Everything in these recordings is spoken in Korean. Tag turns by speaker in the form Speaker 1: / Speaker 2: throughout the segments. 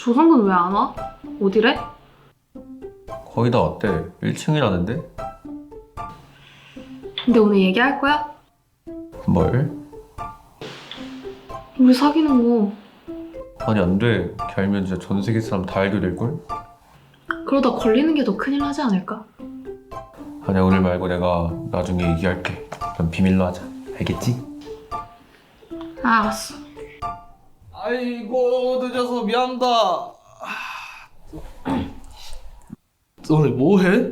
Speaker 1: 조성근 왜 안 와? 어디래?
Speaker 2: 거의 다 왔대. 1층이라는데?
Speaker 1: 근데 오늘 얘기할 거야?
Speaker 2: 뭘?
Speaker 1: 우리 사귀는 거.
Speaker 2: 아니 안 돼. 걔 알면 진짜 전 세계 사람 다 알게 될걸?
Speaker 1: 그러다 걸리는 게 더 큰일 나지 않을까?
Speaker 2: 아니야 오늘 말고 내가 나중에 얘기할게. 넌 비밀로 하자. 알겠지?
Speaker 1: 알았어.
Speaker 3: 아이고 늦어서 미안하다. 너네 뭐해?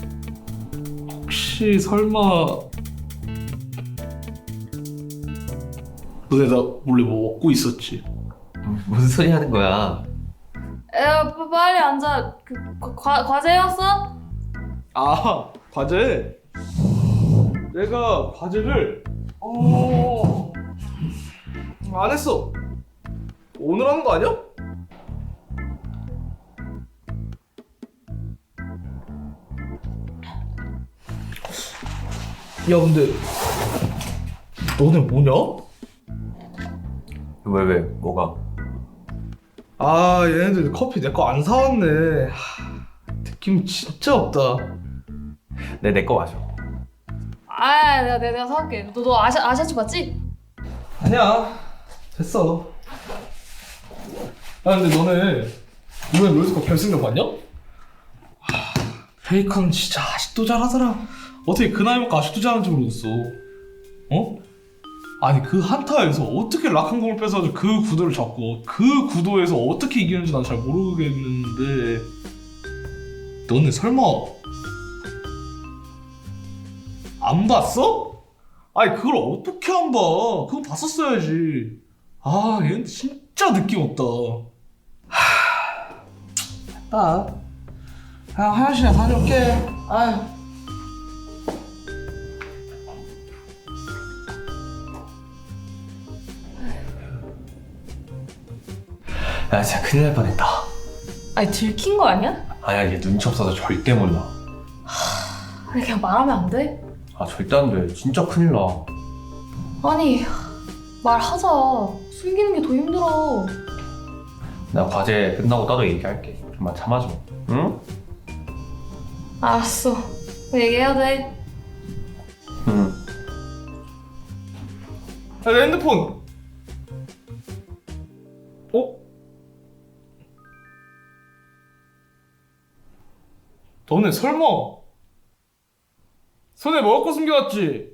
Speaker 3: 혹시 설마 너네 나 몰래 뭐 먹고 있었지?
Speaker 2: 무슨 소리 하는 거야?
Speaker 4: 야, 빨리 앉아. 과제 해왔어?
Speaker 3: 아 과제? 내가 과제를 안 했어. 오늘 하는 거 아니야? 야 근데 너네 뭐냐?
Speaker 2: 왜? 뭐가?
Speaker 3: 아 얘네들 커피 내 거 안 사왔네. 느낌 진짜 없다.
Speaker 2: 내 거 마셔.
Speaker 4: 아, 내가 사올게. 너 아샤츠 봤지?
Speaker 3: 아니야 됐어. 아 근데 너네 이번에 롤스컵 결승전 봤냐? 페이커는 진짜 아직도 잘하더라. 어떻게 그 나이 먹고 아직도 잘하는지 모르겠어. 어? 아니 그 한타에서 어떻게 락한 공을 뺏어가지고 그 구도를 잡고 그 구도에서 어떻게 이기는지 난 잘 모르겠는데 너네 설마 안 봤어? 아니 그걸 어떻게 안 봐? 그거 봤었어야지. 아 얘는 진짜 느낌 없다. 됐다. 그냥 화장실에 다녀올게. 아휴.
Speaker 2: 야 진짜 큰일 날 뻔했다.
Speaker 4: 아니, 들킨 거 아니야?
Speaker 2: 아니야 얘 눈치 없어서 절대 몰라.
Speaker 4: 아니, 그냥 말하면 안 돼?
Speaker 2: 아 절대 안 돼. 진짜 큰일 나.
Speaker 4: 아니, 말하자. 숨기는 게 더 힘들어.
Speaker 2: 나 과제 끝나고 따로 얘기할게. 좀만 참아줘. 응?
Speaker 4: 알았어. 얘기해야 돼.
Speaker 2: 응.
Speaker 3: 야, 내 핸드폰. 어? 너네 설마 손에 먹을 거 숨겨왔지?